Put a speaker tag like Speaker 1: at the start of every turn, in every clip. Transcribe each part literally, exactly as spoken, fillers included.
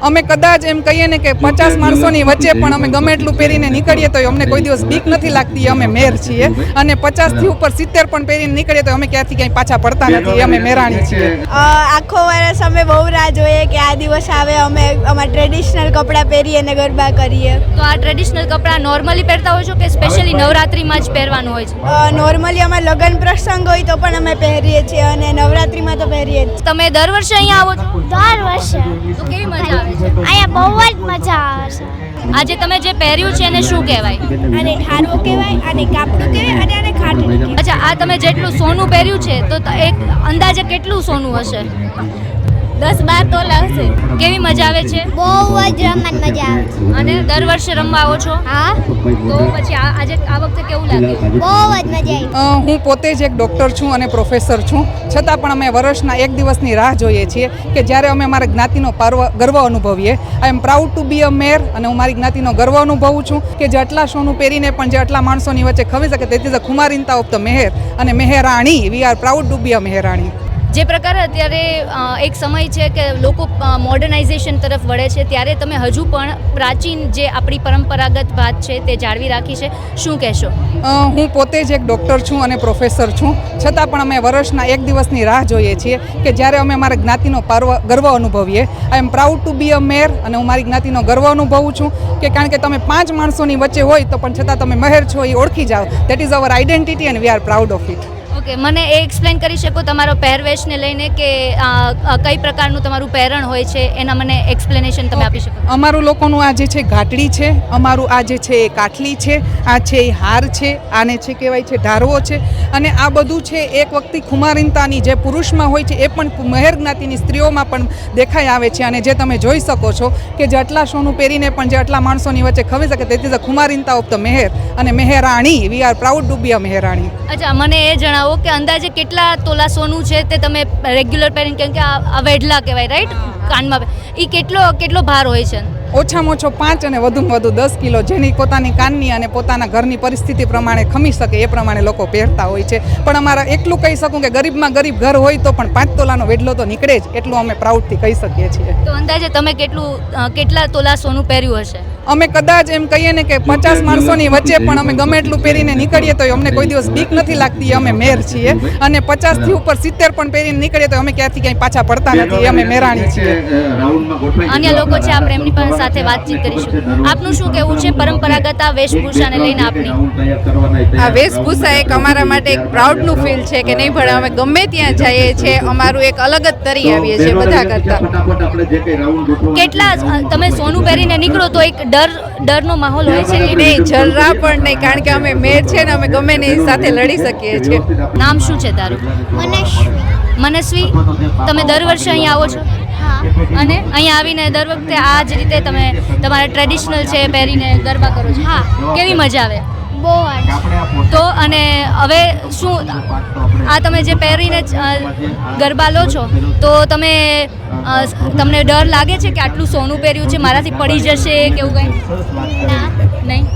Speaker 1: અમે કદાચ એમ કહીએ ને કે પચાસ માણસોની વચ્ચે પણ અમે ગમે એટલું પહેરીને નીકળીએ તો અમને કોઈ દિવસ બીક નથી લાગતી. અમે મેર છીએ અને પચાસથી ઉપર સિત્તેર પણ પહેરીને નીકળીએ તો અમે ક્યાંથી ક્યાંય પાછા પડતા નથી. અમે મેરાણી છીએ.
Speaker 2: આખો વર્ષ અમે બહુ રાહ જોઈએ કે આ દિવસ આવે, અમે અમારા ટ્રેડિશનલ કપડાં પહેરીએ અને ગરબા કરીએ.
Speaker 3: તો આ ટ્રેડિશનલ કપડાં નોર્મલી પહેરતા હોય છો કે સ્પેશિયલી નવરાત્રિમાં જ પહેરવાનું હોય છે?
Speaker 2: નોર્મલી અમારે લગ્ન પ્રસંગ હોય તો પણ અમે પહેરીએ છીએ અને નવરાત્રિમાં તો પહેરીએ જ.
Speaker 3: તમે દર વર્ષે અહીંયા આવો છો?
Speaker 4: દર વર્ષે.
Speaker 3: તો કેવી મજા આવે છે
Speaker 4: અહીંયા? બહુ જ મજા આવે છે.
Speaker 3: આજે તમે જે પહેર્યું છે એને શું કહેવાય?
Speaker 2: આને ઠારવો કહેવાય, આને કાપડું કહેવાય અને આને ખાટલું કહેવાય.
Speaker 3: અચ્છા, આ તમે જેટલું સોનું પહેર્યું છે તો એક અંદાજે કેટલું સોનું હશે?
Speaker 2: દસ બાર તોલા હશે.
Speaker 3: કેવી મજા આવે છે?
Speaker 4: બહુ જ રમવાની મજા આવે છે.
Speaker 3: અને દર વર્ષે રમવા આવો છો?
Speaker 4: હા.
Speaker 3: તો પછી આ આજે આ વખતે કેવું લાગ્યું?
Speaker 4: બહુ જ મજા આવી.
Speaker 1: હું પોતે જ એક ડૉક્ટર છું અને પ્રોફેસર છું, છતાં પણ અમે વર્ષના એક દિવસની રાહ જોઈએ છીએ કે જ્યારે અમે અમારા જ્ઞાતિનો પર્વ ગર્વ અનુભવીએ. આઈ એમ પ્રાઉડ ટુ બી અ મેર અને હું મારી જ્ઞાતિનો ગર્વ અનુભવું છું કે જે આટલા સોનું પહેરીને પણ જે આટલા માણસોની વચ્ચે ખવી શકે. તેથી ધ ખુમારીનતા ઓફ ધ મેહેર અને Meherani. We are proud to be a Meherani.
Speaker 3: જે પ્રકારે અત્યારે એક સમય છે કે લોકો મોડર્નાઇઝેશન તરફ વળે છે, ત્યારે તમે હજુ પણ પ્રાચીન જે આપણી પરંપરાગત વાત છે તે જાળવી રાખી છે, શું કહેશો?
Speaker 1: હું પોતે જ એક ડૉક્ટર છું અને પ્રોફેસર છું, છતાં પણ અમે વર્ષના એક દિવસની રાહ જોઈએ છીએ કે જ્યારે અમે અમારા જ્ઞાતિનો પર્વ ગર્વ અનુભવીએ. આઈ એમ પ્રાઉડ ટુ બી અ મેર અને હું મારી જ્ઞાતિનો ગર્વ અનુભવું છું કે કારણ કે તમે પાંચ માણસોની વચ્ચે હોય તો પણ છતાં તમે મહેર છો એ ઓળખી જાઓ. That is our identity and we are proud of it.
Speaker 3: Okay, મને એ એક્સપ્લેન કરી શકો તમારો પહેરવેશને લઈને કે કઈ પ્રકારનું તમારું પહેરણ હોય છે, એના મને એક્સપ્લેનેશન તમે આપી શકો?
Speaker 1: અમારું લોકોનું આ જે છે ઘાટડી છે, અમારું આ જે છે એ કાટલી છે, આ છે એ હાર છે, આને છે કહેવાય છે ઢારવો છે. અને આ બધું છે એક વખતે ખુમારીનતાની જે પુરુષમાં હોય છે એ પણ મહેર જ્ઞાતિની સ્ત્રીઓમાં પણ દેખાઈ આવે છે. અને જે તમે જોઈ શકો છો કે જે આટલા સોનું પહેરીને પણ જે આટલા માણસોની વચ્ચે ખવી શકે. તેથી ધ ખુમારીનતા ઓફ ધ મેહેર અને Meherani. We are proud to be a Meherani.
Speaker 3: અચ્છા, મને એ જણાવો કે અંદાજે કેટલા તોલા સોનું છે તે તમે રેગ્યુલર પહેરીને, કેમ કે આ વેઢલા કહેવાય રાઈટ, કાનમાં, એ કેટલો કેટલો ભાર હોય છે?
Speaker 1: ઓછામાં ઓછો પાંચ અને વધુમાં વધુ દસ કિલો, જેની પોતાની કાનની અને પોતાના ઘરની પરિસ્થિતિ પ્રમાણે ખમી શકે એ પ્રમાણે લોકો પહેરતા હોય છે. પણ અમારા એટલું કહી શકું કે ગરીબમાં ગરીબ ઘર હોય તો પણ પાંચ તોલાનો વેઢલો તો નીકળે જ, એટલું અમે પ્રાઉડથી કહી શકીએ છીએ.
Speaker 3: તો અંદાજે તમે કેટલું કેટલા તોલા સોનું પહેર્યું હશે?
Speaker 1: અમે કદાચ એમ કહીએ ને કે પચાસ માણસોની વચ્ચે પણ અમે ગમે એટલું પહેરીને નીકળીએ તો અમને કોઈ દિવસ બીક નથી લાગતી. અમે મેર છીએ અને પચાસથી ઉપર સિત્તેર પણ પહેરીને નીકળીએ તો અમે ક્યાંથી ક્યાંય પાછા પડતા નથી. અમે મેરાણી છીએ.
Speaker 3: અન્ય લોકો છે, આપણે એમની પાસે સાથે વાતચીત કરીશું. આપનું શું કહેવું છે પરંપરાગત આ વેશભૂષાને લઈને? આપની
Speaker 5: આ વેશભૂષા એક અમારા માટે એક પ્રાઉડનું ફીલ છે કે નહીં ભણે અમે ગમે ત્યાં જઈએ છીએ, અમારું એક અલગ જ તરી આવીએ છીએ બધા કરતા.
Speaker 3: કેટલા તમે સોનું પહેરીને નીકળો તો એક ડર ડરનો માહોલ હોય છે?
Speaker 5: નહીં, જરા પણ નહીં, કારણ કે અમે મેર છે ને અમે ગમે ને સાથે લડી શકીએ છીએ.
Speaker 3: નામ શું છે તારું?
Speaker 4: મનસ્વી.
Speaker 3: મનસ્વી, તમે દર વર્ષે અહીંયા આવો છો? અને અહીંયા આવીને દર વખતે આ જ રીતે તમે તમારા ટ્રેડિશનલ છે પહેરીને ગરબા કરો છો?
Speaker 4: હા.
Speaker 3: કેવી મજા આવે?
Speaker 4: બહુ જ.
Speaker 3: તો અને હવે શું આ તમે જે પહેરીને ગરબા લો છો તો તમે તમને ડર લાગે છે કે આટલું સોનું પહેર્યું છે, મારાથી પડી જશે કે એવું કંઈ?
Speaker 4: ના.
Speaker 3: નહીં.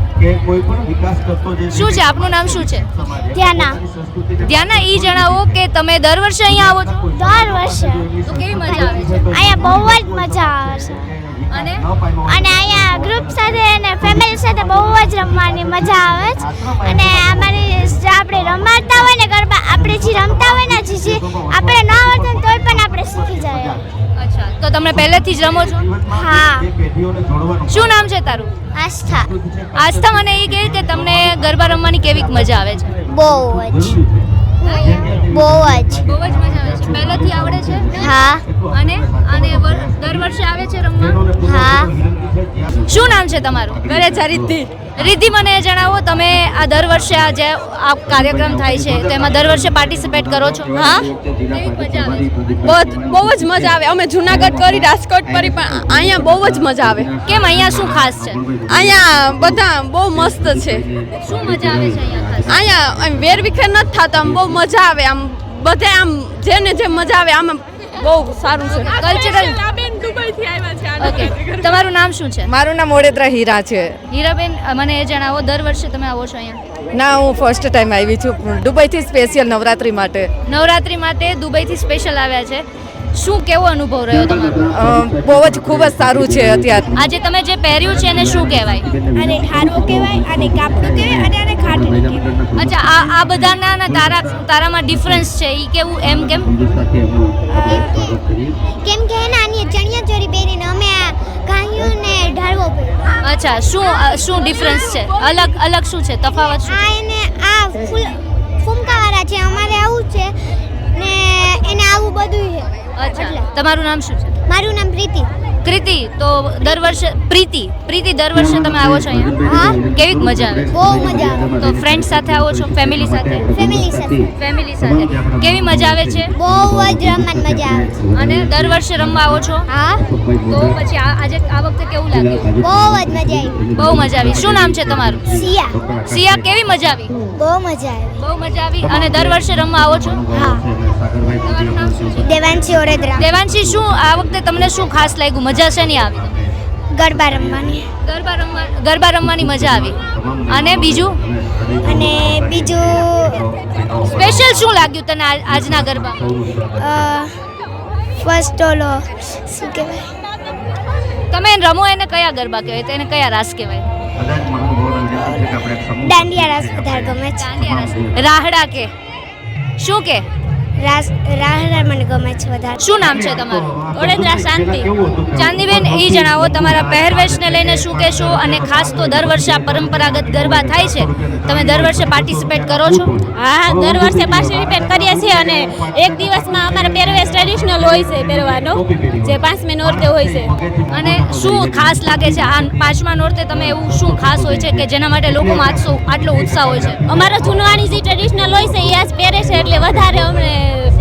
Speaker 3: શું છે આપનું નામ? શું છે?
Speaker 4: ધ્યાના.
Speaker 3: ધ્યાના, ઈ જણાવો કે તમે દર વર્ષે અહીંયા આવો છો?
Speaker 4: દર વર્ષે.
Speaker 3: તો કેવી મજા આવે છે?
Speaker 4: અહીંયા બહુ જ મજા આવે છે.
Speaker 3: અને
Speaker 4: અને અહીંયા ગ્રુપ સાથે અને ફેમિલી સાથે બહુ જ રમવાની મજા આવે છે. અને અમારી જે આપણે રમાડતા હોય ને ગરબા, આપણે જે રમતા હોય ને જે આપણે ન આવડતું તોય પણ આપણે શીખી જાય.
Speaker 3: અચ્છા, તો તમે પહેલેથી જ રમો છો?
Speaker 4: હા.
Speaker 3: શું નામ છે તારું?
Speaker 4: આસ્થા.
Speaker 3: આસ્થા, મને એ કહે કે તમને ગરબા રમવાની કેવી મજા આવે છે?
Speaker 4: બહુ જ. બહુ જ.
Speaker 3: બહુ જ મજા આવે છે. પહેલેથી આવડે છે?
Speaker 4: હા.
Speaker 3: અને અને દર વર્ષે આવે છે રમવા?
Speaker 4: હા.
Speaker 3: શું નામ છે તમારું?
Speaker 5: ઘરે રિદ્ધિ.
Speaker 3: રિદ્ધિ, મને એ જણાવો તમે આ દર વર્ષે આ જે આ કાર્યક્રમ થાય છે તો એમાં દર વર્ષે પાર્ટિસિપેટ કરો છો?
Speaker 5: હા.
Speaker 3: કેવી મજા આવે છે?
Speaker 5: બહુ બહુ જ મજા આવે. અમે જુનાગઢ કરી, રાજકોટ કરી, પણ અહીંયા બહુ જ મજા આવે.
Speaker 3: કેમ, અહીંયા શું ખાસ છે?
Speaker 5: અહીંયા બધા બહુ મસ્ત છે.
Speaker 3: શું મજા આવે છે અહીંયા ખાસ?
Speaker 5: અહીંયા આમ વેરવિખેર નથી થતા, આમ બહુ મજા આવે. આમ બધે આમ જેને જે મજા આવે આમ બહુ સારું છે.
Speaker 3: કલ્ચરલ. ઓકે, તમારું નામ શું છે?
Speaker 5: મારું નામ ઓડેદરા હીરા છે.
Speaker 3: હીરાબેન, મને એ જણાવો દર વર્ષે તમે આવો છો અહીંયા?
Speaker 5: ના, હું ફર્સ્ટ ટાઈમ આવી છું દુબઈથી સ્પેશિયલ નવરાત્રી માટે.
Speaker 3: નવરાત્રી માટે દુબઈથી સ્પેશિયલ આવ્યા છે શું કેવો અનુભવ રહ્યો તમારો?
Speaker 5: અ, બહુ જ ખૂબ જ સારું છે અત્યારે.
Speaker 3: આજે તમે જે પહેર્યું છે એને શું કહેવાય?
Speaker 2: અને ઠારવો કહેવાય અને કાપડું કહેવાય અને આને ખાટલી કહેવાય.
Speaker 3: અચ્છા, આ આ બધાના ના તારા તારામાં ડિફરન્સ છે એ કેવું એમ કેમ?
Speaker 4: કેમ કે એના આની ચણિયા ચોળી પહેરીને અમે આ કાંયું ને ઢાળવો પહેર્યો.
Speaker 3: અચ્છા, શું અ, શું ડિફરન્સ છે? અલગ અલગ શું છે? તફાવત શું?
Speaker 4: આ એને આ ફૂલ ફૂમકાવાળા છે, અમારે આવું છે ને એને આવું બધું છે.
Speaker 3: અચ્છા, તમારું નામ શું છે?
Speaker 4: મારું નામ પ્રીતિ.
Speaker 3: કૃતિ. તો દર વર્ષે પ્રીતિ પ્રીતિ દર વર્ષે તમે આવો છો અહીંયા?
Speaker 4: હા,
Speaker 3: કેવી મજા આવે?
Speaker 4: બહુ મજા આવે.
Speaker 3: તો ફ્રેન્ડ સાથે આવો છો? ફેમિલી સાથે?
Speaker 4: ફેમિલી સાથે
Speaker 3: ફેમિલી સાથે કેવી મજા આવે છે?
Speaker 4: બહુ જ રમવાની મજા આવે છે.
Speaker 3: અને દર વર્ષે રમવા આવો છો?
Speaker 4: હા,
Speaker 3: તો પછી આ આજે આ વખતે કેવું લાગ્યું?
Speaker 4: બહુ જ મજા આવી.
Speaker 3: બહુ મજા આવી. શું નામ છે તમારું?
Speaker 4: સિયા.
Speaker 3: સિયા, કેવી મજા આવી?
Speaker 4: બહુ મજા આવી.
Speaker 3: બહુ મજા આવી. અને દર વર્ષે રમવા આવો છો?
Speaker 4: હા.
Speaker 3: તમારું નામ શું છે?
Speaker 4: દેવાંશી ઓરેદ્રા.
Speaker 3: દેવાંશી, શું આ વખતે તમને શું ખાસ લાગ્યું? મજા છે નહીં આવી?
Speaker 4: ગરબા રમવાની.
Speaker 3: ગરબા રમવા ગરબા રમવાની મજા આવી. અને બીજું
Speaker 4: અને બીજું
Speaker 3: સ્પેશિયલ શું લાગ્યું તને આ- આજના ગરબામાં?
Speaker 4: ફર્સ્ટ ઓલો શું કહેવાય,
Speaker 3: તમે રમો એને કયા ગરબા કહેવાય? તેને કયા રાસ કહેવાય?
Speaker 4: દાંડિયા રાસ વધારે ગમે છે.
Speaker 3: દાંડિયા રાસ. રાહડા કે શું કે?
Speaker 4: રાસ રાહડા મને ગમે છે વધારે.
Speaker 3: શું નામ છે તમારું? ઓડેદરા શાંતિ. ચાંદીબેન, એ જણાવો તમારા પહેરવેશને લઈને શું કહેશો? અને ખાસ તો દર વર્ષે આ પરંપરાગત ગરબા થાય છે, તમે દર વર્ષે પાર્ટિસિપેટ કરો છો?
Speaker 6: હા, દર વર્ષે પાર્ટિસિપેટ કરીએ છીએ અને એક દિવસમાં અમારે પહેરવેશ ટ્રેડિશનલ હોય છે પહેરવાનો, જે પાંચમી નોરતે હોય છે.
Speaker 3: અને શું ખાસ લાગે છે આ પાંચમા નોરતે? તમે એવું શું ખાસ હોય છે કે જેના માટે લોકોમાં આટલો આટલો ઉત્સાહ હોય છે?
Speaker 6: અમારો જૂનવાણી જે ટ્રેડિશનલ હોય છે એ આજ પહેરે છે એટલે વધારે અમને.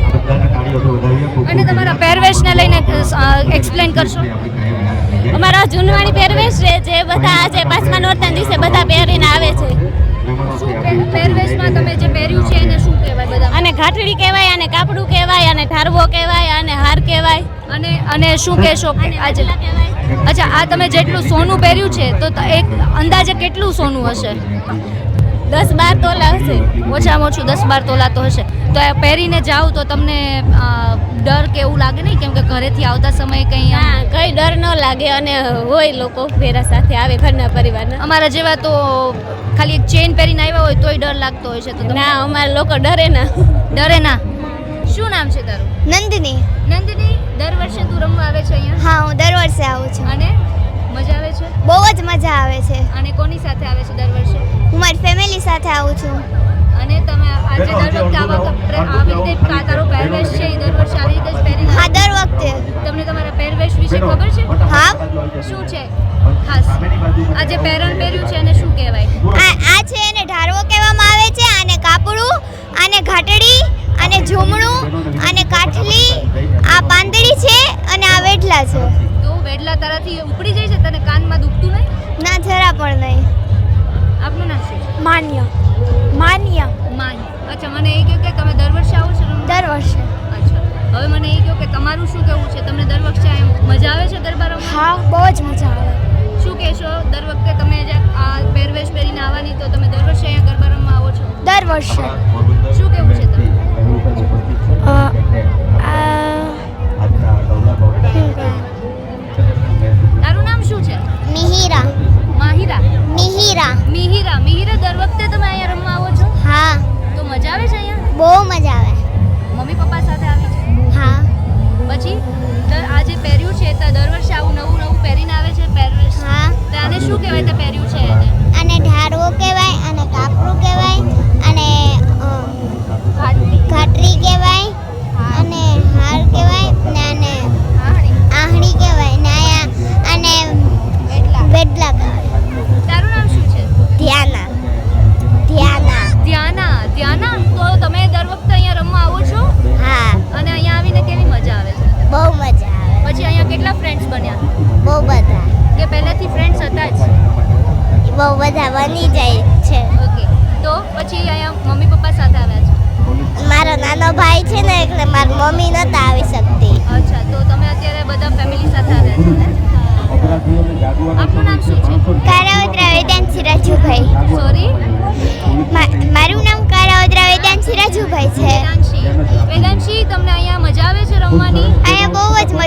Speaker 3: અને તમારા પહેરવેશને લઈને એક્સપ્લેન કરશો?
Speaker 6: અમારો જૂનવાણી પહેરવેશ છે જે બધા આજે પાંચમા નોરતા દિવસે બધા પહેરીને આવે છે.
Speaker 3: શું પે- પહેરવેશમાં તમે જે પહેર્યું છે એને શું કહેવાય બધા?
Speaker 6: અને ઘાટડી કહેવાય, અને કાપડું કહેવાય, અને ઠારવો કહેવાય, અને હાર કહેવાય.
Speaker 3: અને અને શું કહેશો કે આજે? અચ્છા, આ તમે જેટલું સોનું પહેર્યું છે તો ત- એક અંદાજે કેટલું સોનું હશે?
Speaker 6: દસ બાર તોલા હશે.
Speaker 3: ઓછામાં ઓછું દસ બાર તોલા તો હશે. તો આ પહેરીને જાઓ તો તમને અ, ડર કે એવું લાગે નહીં? કેમ કે ઘરેથી આવતા સમયે કંઈ આમ-
Speaker 6: હા, કઈ ડર ન લાગે અને હોય લોકો ફેરા સાથે આવે ઘરના પરિવારના.
Speaker 3: અમારા જેવા તો ખાલી એક ચેન પહેરીને આવ્યા હોય તોય ડર લાગતો હોય છે. તો તમને
Speaker 6: ના, અમારા લોકો ડરે ના.
Speaker 3: ડરે ના. શું નામ છે તારું?
Speaker 4: નંદિની.
Speaker 3: નંદિની, દર વર્ષે તું રમવા આવે છે અહીંયા?
Speaker 4: હા, હું દર વર્ષે આવું છું.
Speaker 3: અને મજા આવે છે?
Speaker 4: બહુ જ મજા આવે છે.
Speaker 3: અને કોની સાથે આવે છે દર વર્ષે?
Speaker 4: હું મારી ફેમિલી સાથે આવું છું.
Speaker 3: અને તમે આજે દર વખતે આવા કપડે આવી રીતે આ તારો પહેરવેશ છે એ દર વર્ષે આવી રીતે જ પહેરીને
Speaker 4: હા, દર વખતે.
Speaker 3: તમને તમારા પહેરવેશ વિશે ખબર છે?
Speaker 4: હા,
Speaker 3: શું છે ખાસ? આ જે પહેરણ પહેર્યું છે એને શું કહેવાય?
Speaker 4: આ આ છે એને ઢારવો કહેવામાં આવે છે, આને કાપડું, આને ઘાટડી, આને ઝૂમણું, આને કાઠલી, આ પાંદડી છે અને આ વેઢલા છે.
Speaker 3: તો વેડલા તારાથી ઉપડી જાય છે? તને કાનમાં દુખતું નહીં?
Speaker 4: ના, જરા પણ નહીં.
Speaker 3: આપનું નામ શું છે?
Speaker 4: માન્ય. માન્ય.
Speaker 3: માહી. અચ્છા, મને એ કહ્યું કે તમે દર વર્ષે આવો છો રમવા?
Speaker 4: દર વર્ષે.
Speaker 3: અચ્છા, હવે મને એ કહ્યું કે તમારું શું કહેવું છે? તમને દર વર્ષે આ મજા આવે છે ગરબા રમવા?
Speaker 4: હા, બહુ જ મજા આવે.
Speaker 3: શું કહેશો? દર વખતે તમે જે આ પહેરવેશ પહેરીને આવવાની તો તમે દર વર્ષે અહીંયા ગરબા રમવા આવો છો?
Speaker 4: દર વર્ષે.
Speaker 3: શું કહેવું છે તમે?
Speaker 4: અ, આ
Speaker 3: તારું નામ શું છે?
Speaker 4: મિહિરા.
Speaker 3: માહિરા.
Speaker 4: મિહિરા.
Speaker 3: મિહિરા. મિહિરા, દર વખતે તમે અહીંયા રમવા આવો છો?
Speaker 4: હા,
Speaker 3: તો મજા આવે છે અહીંયા?
Speaker 4: બહુ મજા આવે.
Speaker 3: મમ્મી પપ્પા સાથે આવી છે?
Speaker 4: હા.
Speaker 3: પછી દર- આ જે પહેર્યું છે તો દર વર્ષે આવું નવું નવું પહેરીને આવે છે પહેરવેશ?
Speaker 4: હા.
Speaker 3: તો આને શું કહેવાય તે પહેર્યું છે એને?
Speaker 4: આને ઢારવો કહેવાય, આને કાપડું કહેવાય, અને ઘાટરી કહેવાય, અને હાર કહેવાય, ને આને આહણી કહેવાય, ને આયા આને વેડલા કહેવાય.
Speaker 3: તારું નામ શું છે?
Speaker 4: ધ્યાના. ધ્યાના.
Speaker 3: ધ્યાના. ધ્યાના, તો તમે દર વખતે અહીંયા રમવા આવો છો?
Speaker 4: હા,
Speaker 3: અને અહીંયા આવીને કેવી મજા આવે છે?
Speaker 4: બહુ મજા આવે.
Speaker 3: પછી અહીંયા કેટલા ફ્રેન્ડ્સ બન્યા?
Speaker 4: બહુ બધા.
Speaker 3: કે પહેલેથી ફ્રેન્ડ્સ હતા જ?
Speaker 4: બહુ બધા બની જાય છે.
Speaker 3: ઓકે, તો પછી અહીંયા મમ્મી પપ્પા સાથે આવ્યા છે?
Speaker 4: મારો નાનો ભાઈ છે ને, એટલે મારી મમ્મી નતા આવી શકતી.
Speaker 3: અચ્છા, તો તમે અત્યારે બધા ફેમિલી સાથે આવ્યા છો ને? આપનું નામ શું છે?
Speaker 4: કારાવદ્રા વેદાંશી રાજુભાઈ.
Speaker 3: સોરી?
Speaker 4: મા- મારું નામ કારાવદ્રા વેદાંશી રાજુભાઈ છે.
Speaker 3: વેદાંશી. વેદાંશી, તમને અહીંયા મજા આવે છે રમવાની?
Speaker 4: અહીંયા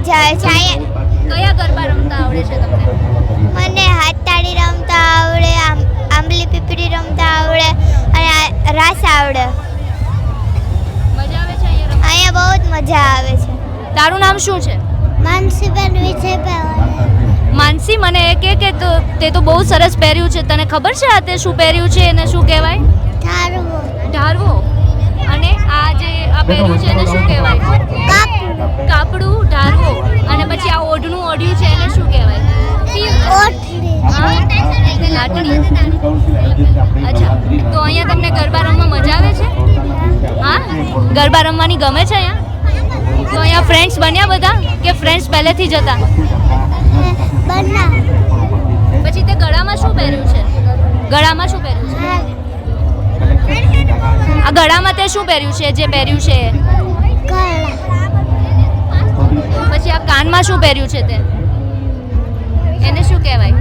Speaker 4: મજા આવે છે અહીંયા
Speaker 3: કયા ગરબા રમતા આવડે છે તમને?
Speaker 4: મને હાથતાળી રમતા આવડે, આમ આંબલી પીપળી રમતા આવડે અને આ રાસ આવડે.
Speaker 3: મજા આવે છે અહીંયા રમવા?
Speaker 4: અહીંયા બહુ જ મજા આવે છે.
Speaker 3: તારું નામ શું છે?
Speaker 4: માનસીબેન વિજયભાઈ.
Speaker 3: માનસી, મને એ કે કે તો તે તો બહુ સરસ પહેર્યું છે. તને ખબર છે આ તે શું પહેર્યું છે એને શું કહેવાય?
Speaker 4: ધારવો.
Speaker 3: ઢારવો. અને આ જે આ પહેર્યું છે એને શું કહેવાય?
Speaker 4: કાપડું.
Speaker 3: કાપડું, ઢારવો. અને પછી આ ઓઢણું ઓઢ્યું છે એને શું કહેવાય?
Speaker 4: ઓટલી.
Speaker 3: હા? લાટણી. અચ્છા, તો અહીંયા તમને ગરબા રમવા મજા આવે છે? હા, ગરબા રમવાની ગમે છે અહીંયા? તો અહીંયા ફ્રેન્ડ્સ બન્યા બધા કે ફ્રેન્ડ્સ પહેલેથી જ હતા?
Speaker 4: બના.
Speaker 3: પછી તે ગળામાં શું પહેર્યું છે? ગળામાં શું પહેર્યું છે? આ ગળામાં તે શું પહેર્યું છે જે પહેર્યું છે એ?
Speaker 4: કળા.
Speaker 3: પછી આ કાનમાં શું પહેર્યું છે તે? એને શું કહેવાય?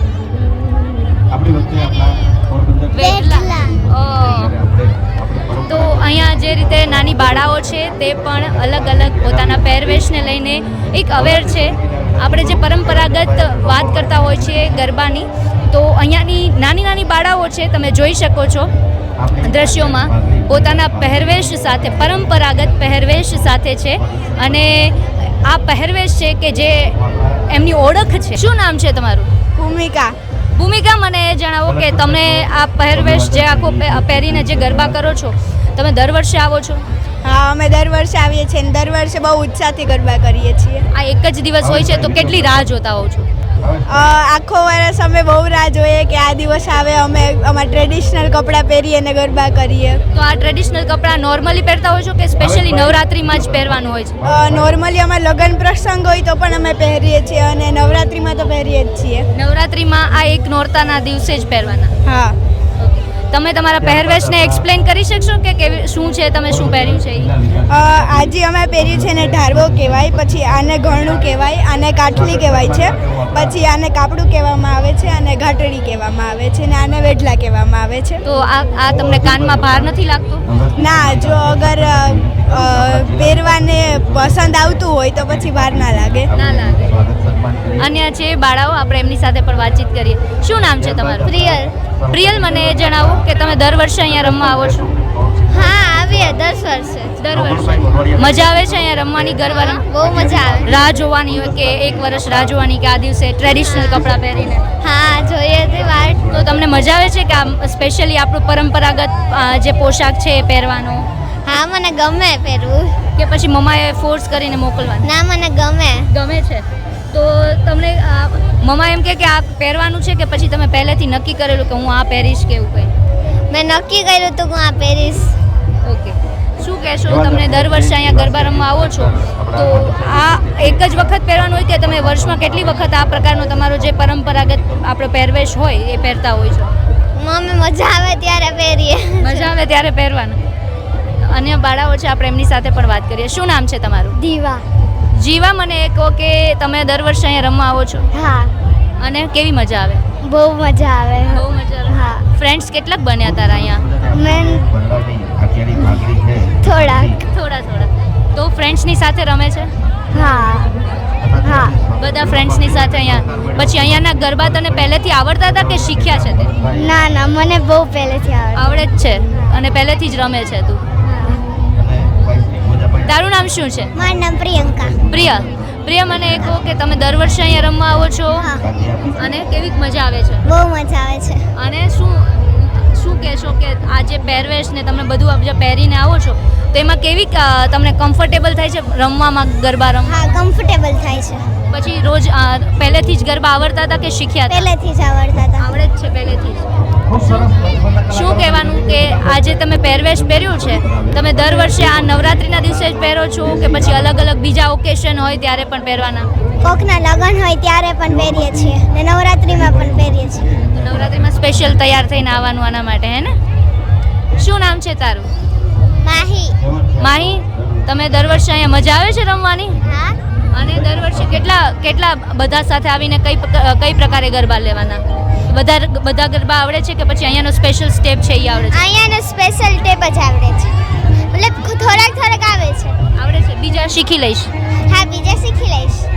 Speaker 3: વેઢલા. ઓહ. તો અહીંયા જે રીતે નાની બાળાઓ છે તે પણ અલગ અલગ પોતાના પહેરવેશને લઈને એક અવેર છે. આપણે જે પરંપરાગત વાત કરતા હોય છીએ ગરબાની, તો અહીંયાની નાની નાની બાળાઓ છે, તમે જોઈ શકો છો દ્રશ્યોમાં, પોતાના પહેરવેશ સાથે, પરંપરાગત પહેરવેશ સાથે છે. અને આ પહેરવેશ છે કે જે એમની ઓળખ છે. શું નામ છે તમારું?
Speaker 2: ભૂમિકા.
Speaker 3: ભૂમિકા, મને એ જણાવો કે તમે આ પહેરવેશ જે આખો પે- પહેરીને જે ગરબા કરો છો, તમે દર વર્ષે આવો છો?
Speaker 2: હા, અમે દર વર્ષે આવીએ છીએ અને દર વર્ષે બહુ ઉત્સાહથી ગરબા કરીએ છીએ.
Speaker 3: આ એક જ દિવસ હોય છે તો કેટલી રાહ જોતા હોવ છો?
Speaker 2: અ, આખો વર્ષ અમે બહુ રાહ જોઈએ કે આ દિવસ આવે, અમે અમારા ટ્રેડિશનલ કપડાં પહેરીએ અને ગરબા કરીએ.
Speaker 3: તો આ ટ્રેડિશનલ કપડાં નોર્મલી પહેરતા હોય છો કે સ્પેશિયલી નવરાત્રિમાં જ પહેરવાનું હોય છે?
Speaker 2: નોર્મલી અમારા લગ્ન પ્રસંગ હોય તો પણ અમે પહેરીએ છીએ અને નવરાત્રિમાં તો પહેરીએ જ છીએ.
Speaker 3: નવરાત્રિમાં આ એક નોરતાના દિવસે જ પહેરવાના.
Speaker 2: હા.
Speaker 3: તમે તમારા પહેરવેશને એક્સપ્લેન કરી શકશો કે કેવી શું છે, તમે શું પહેર્યું છે ઈ?
Speaker 2: અ, આજે અમે પહેર્યું છે ને ઢારવો કહેવાય, પછી આને ઘણું કહેવાય, આને કાઠલી કહેવાય છે, પછી આને કાપડું કહેવામાં આવે છે, અને ઘાટડી કહેવામાં આવે છે, અને આને વેઢલા કહેવામાં આવે છે.
Speaker 3: તો આ આ તમને કાનમાં ભાર નથી લાગતો?
Speaker 2: ના, જો અગર અ, અ, પહેરવાને પસંદ આવતું હોય તો પછી વાર ના લાગે.
Speaker 3: ના લાગે. અન્ય છે બાળાઓ, આપણે એમની સાથે પણ વાતચીત કરીએ. શું નામ છે તમારું?
Speaker 4: પ્રિયલ.
Speaker 3: પ્રિયલ, મને એ જણાવો કે તમે દર વર્ષે અહીંયા રમવા આવો છો?
Speaker 4: હા, આવીએ દસ વર્ષે.
Speaker 3: દર વર્ષે મજા આવે છે અહીંયા રમવાની ગરબા રમ?
Speaker 4: બહુ મજા આવે.
Speaker 3: રાહ જોવાની હોય કે એક વર્ષ રાહ જોવાની કે આ દિવસે ટ્રેડિશનલ કપડાં પહેરીને?
Speaker 4: હા, જોઈએ તે વાત.
Speaker 3: તો તમને મજા આવે છે કે આ સ્પેશિયલી આપણું પરંપરાગત અ, જે પોશાક છે એ પહેરવાનો?
Speaker 4: હા, મને ગમે પહેરવું.
Speaker 3: કે પછી મમ્માએ ફોર્સ કરીને મોકલવાનું?
Speaker 4: ના, મને ગમે.
Speaker 3: ગમે છે. તો તમને અ, મમ્મા એમ કે કે આ પહેરવાનું છે કે પછી તમે પહેલેથી નક્કી કરેલું કે હું આ પહેરીશ કે એવું કંઈ?
Speaker 4: મેં નક્કી કર્યું હતું કે હું આ પહેરીશ.
Speaker 3: ઓકે. શું કહેશો, તમને દર વર્ષે અહીંયા ગરબા રમવા આવો છો, તો આ એક જ વખત પહેરવાનું હોય કે તમે વર્ષમાં કેટલી વખત આ પ્રકારનો તમારો જે પરંપરાગત આપણો પહેરવેશ હોય એ પહેરતા હોય છો?
Speaker 4: મમ્મી મજા આવે ત્યારે પહેરીએ.
Speaker 3: મજા આવે ત્યારે પહેરવાનું. અન્ય બાળાઓ છે, આપણે એમની સાથે પણ વાત કરીએ. શું નામ છે તમારું?
Speaker 4: દીવા.
Speaker 3: જીવા, મને એ કહો કે તમે દર વર્ષે અહીંયા રમવા આવો છો
Speaker 4: હા,
Speaker 3: અને કેવી મજા આવે?
Speaker 4: બહુ મજા આવે.
Speaker 3: બહુ મજા આવે.
Speaker 4: હા.
Speaker 3: ફ્રેન્ડ્સ કેટલાક બન્યા તારા અહીંયા?
Speaker 4: મેં થોડાક.
Speaker 3: થોડા થોડા. તો ફ્રેન્ડ્સની સાથે રમે છે?
Speaker 4: હા. હા.
Speaker 3: બધા ફ્રેન્ડ્સની સાથે અહીંયા. પછી અહીંયાના ગરબા તને પહેલેથી આવડતા હતા કે શીખ્યા છે તે?
Speaker 4: ના ના, મને બહુ પહેલેથી આવડે.
Speaker 3: આવડે જ છે અને પહેલેથી જ રમે છે તું. તારું નામ શું છે?
Speaker 4: મારું નામ પ્રિયંકા.
Speaker 3: પ્રિયા. પ્રિયા, મને એ કહો કે તમે દર વર્ષે અહીંયા રમવા આવો છો
Speaker 4: હા.
Speaker 3: અને કેવી મજા આવે છે?
Speaker 4: બહુ મજા આવે છે.
Speaker 3: અને શું શું કહેશો કે આ જે પહેરવેશ ને તમે બધું આપ જે પહેરીને આવો છો તો એમાં કેવી અ, તમને કમ્ફર્ટેબલ થાય છે રમવામાં ગરબા રમવા?
Speaker 4: હા, કમ્ફર્ટેબલ થાય છે.
Speaker 3: પછી રોજ અ, પહેલેથી જ ગરબા આવડતા હતા કે શીખ્યા હતા?
Speaker 4: પહેલેથી જ આવડતા હતા.
Speaker 3: આવડે જ છે પહેલેથી જ. શું કહેવાનું કે આજે તમે પહેરવેશ પહેર્યું છે, તમે દર વર્ષે આ નવરાત્રિના દિવસે જ પહેરો છો કે પછી અલગ અલગ બીજા ઓકેશન હોય ત્યારે પણ પહેરવાના?
Speaker 4: કોકના લગ્ન હોય ત્યારે પણ પહેરીએ છીએ ને નવરાત્રિમાં પણ પહેરીએ છીએ.
Speaker 3: તો નવરાત્રિમાં સ્પેશિયલ તૈયાર થઈને આવવાનું આના માટે, હે ને? શું નામ છે તારું?
Speaker 4: માહી.
Speaker 3: માહી, તમે દર વર્ષે અહીંયા મજા આવે છે રમવાની?
Speaker 4: હા.
Speaker 3: અને દર વર્ષે કેટલા કેટલા બધા સાથે આવીને કઈ પ- કઈ પ્રકારે ગરબા લેવાના? બધા બધા ગરબા આવડે છે કે પછી અહીંયાનો સ્પેશિયલ સ્ટેપ છે એ આવડે છે?
Speaker 4: અહીંયાનો સ્પેશિયલ ટેપ જ આવડે છે. મતલબ થોડાક થોડાક આવે છે.
Speaker 3: આવડે છે બીજા શીખી લઈશ.
Speaker 4: હા બીજા શીખી લઈશ.